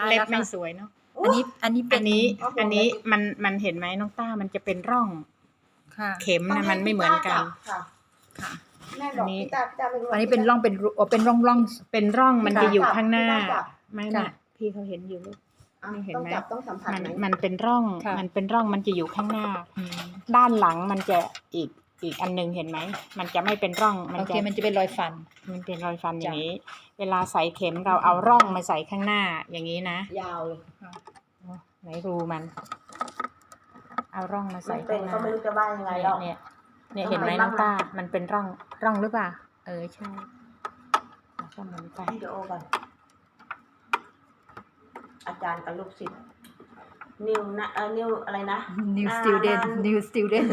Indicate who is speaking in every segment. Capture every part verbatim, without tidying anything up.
Speaker 1: เล็บ
Speaker 2: แล้วค่ะ
Speaker 1: ไม่สวยเนาะ
Speaker 2: อันนี้อันนี้เป็
Speaker 1: อั
Speaker 2: น
Speaker 1: นนี้
Speaker 3: โอ้โห
Speaker 1: อันนี้มันมันเห็นไหมน้องต้ามันจะเป็นร่อง
Speaker 2: ค่ะ
Speaker 1: เข็มนะมันไม่เหมือนกัน
Speaker 3: ค่ะ
Speaker 2: ค่ะ
Speaker 3: แม่บอกพี่ตาพี่ตาไม่รู้
Speaker 2: อันนี้เป็นร่องเป็นรูอ๋อเป็นร่องร่อง
Speaker 1: เป็นร่องมันจะอยู่ข้างหน้า
Speaker 3: พี่ต้จับ
Speaker 1: ไม่
Speaker 2: ค่ะ
Speaker 1: ไม่พี่เขาเห็นอยู่ลูก
Speaker 3: อ่ะ
Speaker 1: นี่เห็น
Speaker 3: ต้อง
Speaker 1: ไหม
Speaker 3: จับต้องสัมผัส
Speaker 1: มัน
Speaker 3: ไหม
Speaker 1: มันเป็นร่อง
Speaker 2: ค่ะ
Speaker 1: มันเป็นร่องมันจะอยู่ข้างหน้า
Speaker 2: อืม
Speaker 1: ด้านหลังมันจะอีกอีกอันหนึงเห็นไหมมันจะไม่เป็นร่องมัน
Speaker 2: โอเค
Speaker 1: จะ
Speaker 2: มันจะเป็นรอยฟัน
Speaker 1: มันเป็นรอยฟันอย่าง
Speaker 2: จ้ะ
Speaker 1: นี้ เวลาใส่เข็มเราเอาร่องมาใส่ข้างหน้าอย่างนี้นะ
Speaker 3: ยาวเลย
Speaker 1: ไหนรูมัน เอาร่องมา
Speaker 3: มั
Speaker 1: ใส่
Speaker 3: นเป็
Speaker 1: ข้าน งหน้า
Speaker 3: ก็ไม่รู้จะว่ายังไงหรอก
Speaker 1: เนี่ยเนี่ยเห็นไหม
Speaker 3: ทำไม
Speaker 1: น้อง
Speaker 3: บ้าง
Speaker 1: ต้า มันเป็นร่องร่องหรือเปล่า เออใช่แล้วก็หมุนไป
Speaker 3: วิดีโอก่อนอาจารย์กับลูกศิษย์นิวนะเออนิวอะไรนะ
Speaker 2: new
Speaker 3: อ่า
Speaker 2: student
Speaker 3: นาน
Speaker 2: new student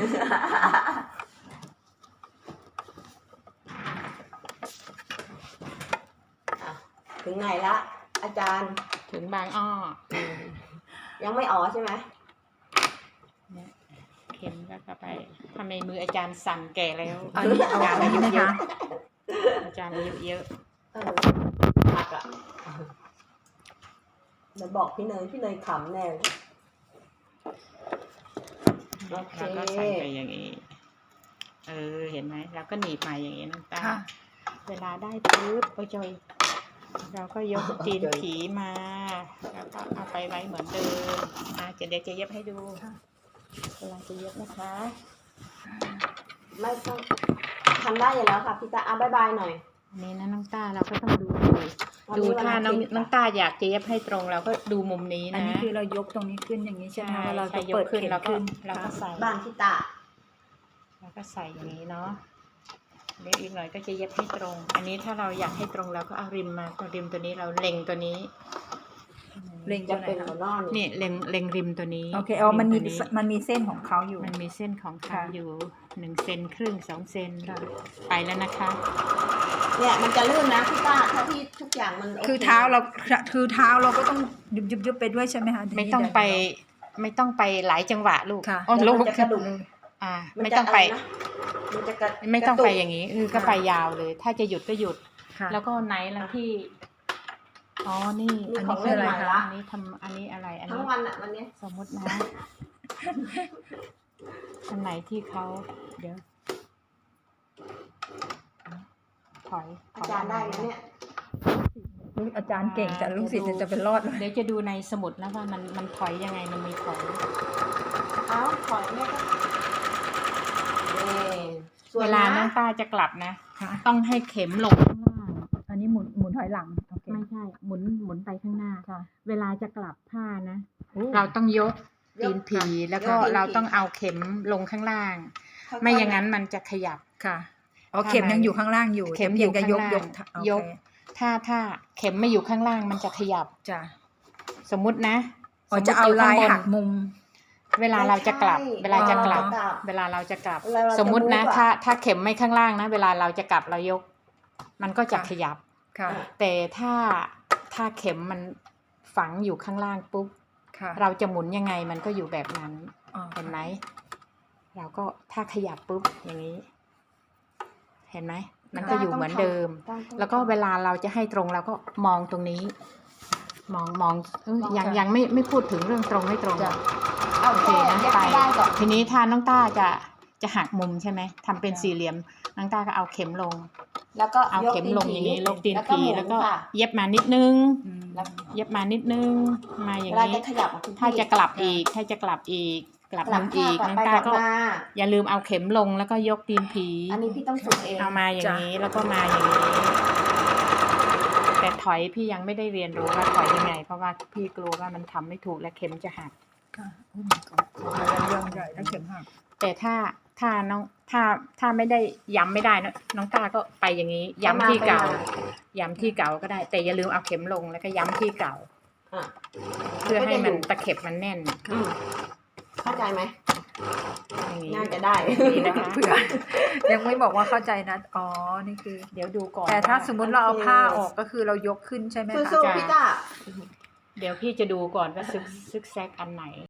Speaker 3: อ่ะถึงไหนละ อาจารย์
Speaker 1: ถึงบางอ้อ
Speaker 3: ยังไม่อ๋อใช่ไหม
Speaker 1: เนี่ยเข็มก็เข้าไปทำไมมืออาจารย์สั่นแก่แล้ว
Speaker 2: อันนี้เอา
Speaker 1: จารย์
Speaker 2: อันนี้ไหม
Speaker 1: เยอะ
Speaker 2: คะ
Speaker 1: อาจารย์อายุเยอะ
Speaker 3: เออหักอ่ะเดี๋ยวบอกพี่เนยพี่เนยขำแน่เลยโอเค
Speaker 1: แล้วก็ใส่ไปอย่างนี้ เออ เห็นไหมแล้วก็หนีบมาอย่างนี้น้องตา
Speaker 2: ค่ะ
Speaker 1: เวลาได้ปุ๊บโอ้ยจอยเราก็ยกตีนผีมา แล้วก็เอาไปไว้เหมือนเดิมอ่ะจะเดี๋ยวจะเย็บให้ดูเวลาจะเย็บนะคะ
Speaker 3: ไม่ต้องทำได้อยู่แล้วค่ะพี่ตาอ่ะบายบายหน่อย
Speaker 1: อันนี้นะน้องต้าเราก็ต้องดู
Speaker 3: วัน
Speaker 1: ดู
Speaker 3: นี้วัน
Speaker 1: ถ้า
Speaker 3: อา
Speaker 1: น้อง
Speaker 3: ทิตย์
Speaker 1: น้องต้าอยากจะเย็บให้ตรงเราก็ดูมุมนี้
Speaker 2: อัน
Speaker 1: นะ
Speaker 2: นี้คือเรายกตรงนี้ขึ้นอย่างนี้ใช่ไหม
Speaker 1: ใช่
Speaker 2: คะแล้วเรา
Speaker 1: ใช่
Speaker 2: จะ
Speaker 1: ย
Speaker 2: เปิ
Speaker 1: ก
Speaker 2: ด
Speaker 1: ขึ้น
Speaker 2: เข็ม
Speaker 1: แล้วก็
Speaker 2: ขึ้น
Speaker 1: เราก็
Speaker 2: ค่ะ
Speaker 1: ใส่
Speaker 3: บ้านพี่ตา
Speaker 1: แล้วก็ใส่อย่างนี้เนาะเดี๋ยวอีกหน่อยก็จะเย็บให้ตรง อันนี้ถ้าเราอยากให้ตรงเราก็เอาริมมาตัวริมตัวนี้เราเล็งตัวนี้
Speaker 2: เล็ง
Speaker 3: จะ
Speaker 2: ตัวไหน
Speaker 3: เป็น
Speaker 2: คะ
Speaker 3: หัวนอน
Speaker 1: นี่เล็งเล็งริมตัวนี้
Speaker 2: โอเคอ๋อมันมี
Speaker 1: ริตัว
Speaker 2: มันมีเส้นของเขาอยู่
Speaker 1: มันมีเส้นของเขา
Speaker 2: ค่ะ
Speaker 1: อยู่หนึ่งเซนครึ่งสองเซน
Speaker 2: ค่ะ
Speaker 1: ไปแล้วนะคะ
Speaker 3: เนี่ยมันจะลื่นนะพี่ตาถ้าที่ทุกอย่างมันโ
Speaker 2: คือเท้าเราคือเท้าเราก็ต้องยุบยุบยุบไปด้วยใช่ไหมคะ
Speaker 1: ไม่ต้องไปไม่ต้องไปหลายจังหวะลูก
Speaker 2: ค่ะ
Speaker 1: อ๋อ
Speaker 3: เดี๋ยว
Speaker 1: ลู
Speaker 3: มัน
Speaker 1: ก
Speaker 3: จะกระดุม
Speaker 1: อ่า
Speaker 3: น
Speaker 1: ไม่
Speaker 3: จะ
Speaker 1: ต้องไป
Speaker 3: ะรนะมันจะกระ
Speaker 1: ไม่ต้องไป
Speaker 3: กระตุก
Speaker 1: อย่างนี้คือก็
Speaker 2: ค่ะ
Speaker 1: ไปยาวเลย ถ้าจะหยุดก็หยุด
Speaker 2: ค่ะ
Speaker 1: แล้วก็ไหนแล้วที่ อ๋อ นี่
Speaker 3: มี
Speaker 1: อัน
Speaker 3: ขอ
Speaker 1: นี้
Speaker 3: ง
Speaker 1: คือ
Speaker 3: เล่น
Speaker 1: อะไร
Speaker 3: ใหม่
Speaker 1: คะ
Speaker 3: ละ
Speaker 1: อันนี้ทำอันนี้อะไร อัน
Speaker 3: ทั้
Speaker 1: นี้
Speaker 3: งวันอ่ะวันเนี้ย
Speaker 1: สมมตินะ อันไหนที่เขาเดี๋ยว ถอยถ
Speaker 3: อาย จารย์ได้ไหมเนี่ย
Speaker 2: ลูกอาจารย์เก่งแต่ลูกศิษย์จะเป็นรอดเลย
Speaker 1: เดี๋ยวจะดูในสมุดนะว่ามันมันถอยยังไง มันมีถอย
Speaker 3: เอ้าถอยแม่ก็นี่ส่ว
Speaker 1: เวน ลาน้อง
Speaker 3: นะ
Speaker 1: ต้าจะกลับนะ
Speaker 2: ค่ะ
Speaker 1: ต้องให้เข็มลงข้างล่าง
Speaker 2: อันนี้หมุนหมุนถอยหลังโอเค
Speaker 1: ไม่ใช่ หมุนหมุนไปข้างหน้า
Speaker 2: ค่ะ
Speaker 1: เวลาจะกลับผ้านะ
Speaker 2: โอ้
Speaker 1: เราต้องยกตีนผี
Speaker 3: ยก
Speaker 1: แล้วก็
Speaker 3: ยกตีนผี
Speaker 1: เราต้องเอาเข็มลงข้างล่าง
Speaker 3: ค่ๆ
Speaker 1: ไม่อย่างนั้นมันจะขยับ
Speaker 2: ค่ะอ๋อเข็มยังอยู่ข้างล่างอยู่
Speaker 1: เข็ม
Speaker 2: แต่
Speaker 1: อยู่
Speaker 2: พีงจะยก
Speaker 1: ข้างล่าง
Speaker 2: ยกโอเค
Speaker 1: ยก ถ้าถ้าเข็มไม่อยู่ข้างล่างมันจะขยับ
Speaker 2: จ้ะ
Speaker 1: สมมุตินะ
Speaker 2: อ๋อ
Speaker 1: สมมุติ
Speaker 2: จะเอา
Speaker 1: ยู่
Speaker 2: ลาย
Speaker 1: ข้งบน
Speaker 2: หักมุม
Speaker 1: เวลาเราจะกลับ เวลาจะกลับ
Speaker 3: อ๋อ
Speaker 1: เวลาเราจะกลับ
Speaker 3: เวลาเราจะ
Speaker 1: สมมุตินะ
Speaker 3: move อะ
Speaker 1: ถ้าถ้าเข็มไม่ข้างล่างนะ เวลาเราจะกลับเรายก มันก็จะ
Speaker 2: ค่ะ
Speaker 1: ขยับ
Speaker 2: ค่ะ
Speaker 1: แต่ถ้าถ้าเข็มมันฝังอยู่ข้างล่างปุ๊บ
Speaker 2: ค่ะ
Speaker 1: เราจะหมุนยังไงมันก็อยู่แบบนั้น
Speaker 2: อ๋อ
Speaker 1: เห็นไหม เราก็ถ้าขยับปุ๊บอย่างนี้ เห็นไหม มันก็อยู่เหมือนเดิม
Speaker 3: ต้องต้อง
Speaker 1: แล้วก็เวลาเราจะให้ตรงเราก็มองตรงนี้ มองมองเอ้ย
Speaker 3: มอง
Speaker 1: ยัง
Speaker 3: ค่ะ
Speaker 1: ยังไม่ไม่พูดถึงเรื่องตรงไม่ตรง
Speaker 2: จ้ะ
Speaker 3: เอา
Speaker 1: โอเค
Speaker 3: แค่
Speaker 1: นะ
Speaker 3: เย็บ
Speaker 1: ไป
Speaker 3: ให้ได้ก่อน
Speaker 1: ทีนี้ถ้าน้องต้าจะจะหักมุมใช่ไหมทำเป็น
Speaker 2: จ้ะ
Speaker 1: สี่เหลี่ยมน้องต้าก็เอาเข็มลง
Speaker 3: แล้วก็
Speaker 1: เอา
Speaker 3: ยก
Speaker 1: เข็มลงอย่างนี้ลงตีน
Speaker 3: แล้ว
Speaker 1: ผี
Speaker 3: หมุ
Speaker 1: แล้วก็
Speaker 3: ค่ะ
Speaker 1: เย็บมานิดนึง
Speaker 2: อืม
Speaker 3: แล้ว
Speaker 1: เย็บมานิดนึงมาอย่าง
Speaker 3: เวลา
Speaker 1: นี้
Speaker 3: จะขยับอ่ะคุณพี่
Speaker 1: ถ้าจะกลับอีก ถ้าจะกลับอีก กลับ
Speaker 3: กลั
Speaker 1: มุ
Speaker 3: บ
Speaker 1: มอีก
Speaker 3: กลับ
Speaker 1: น้อง
Speaker 3: ไป
Speaker 1: ต้าก
Speaker 3: ลับ
Speaker 1: ก็
Speaker 3: มา
Speaker 1: อย่าลืมเอาเข็มลงแล้วก็ยกตีนผี
Speaker 3: อันนี้พี่ต้องฝึกเอง
Speaker 1: เอามาอย่างนี้แล้วก็มาอย่างนี้ แต่ถอยพี่ยังไม่ได้เรียนรู้ว่าถอยยังไง เพราะว่าพี่กลัวว่ามันทำไม่ถูกและเข็มจะหัก
Speaker 2: ค่ะโอ้ my god เรื่องใหญ่ถ้าเข็มหัก
Speaker 1: แต่ถ้าถ้าน้องถ้าถ้าไม่ได้ย้ำไม่ได้นะน้องต้าก็ไปอย่างนี้ ย้ำที่เก่า ย้ำที่เก่าก็ได้ แต่อย่าลืมเอาเข็มลงแล้วก็ย้ำที่เก่า
Speaker 3: อ่ะ
Speaker 1: เพื่อให้มัน
Speaker 3: ก็จะยู่
Speaker 1: ตะเข็บมันแน่น
Speaker 3: อืมเข้าใจไหม
Speaker 1: อย่างนี้
Speaker 3: น่าจะได้
Speaker 1: นี่นะคะ
Speaker 2: เผื่อ ยังไม่บอกว่าเข้าใจนะอ๋อนี่คือ
Speaker 1: เดี๋ยวดูก่อน
Speaker 2: แต่ถ้าสมมุติเราเอา
Speaker 3: โอเค
Speaker 2: ผ้าออกก็คือเรายกขึ้นใช่ไหมคะ
Speaker 3: สู้ๆพี่ต้า
Speaker 1: เดี๋ยวพี่จะดูก่อนว่าซึกซึกแซกอันไหน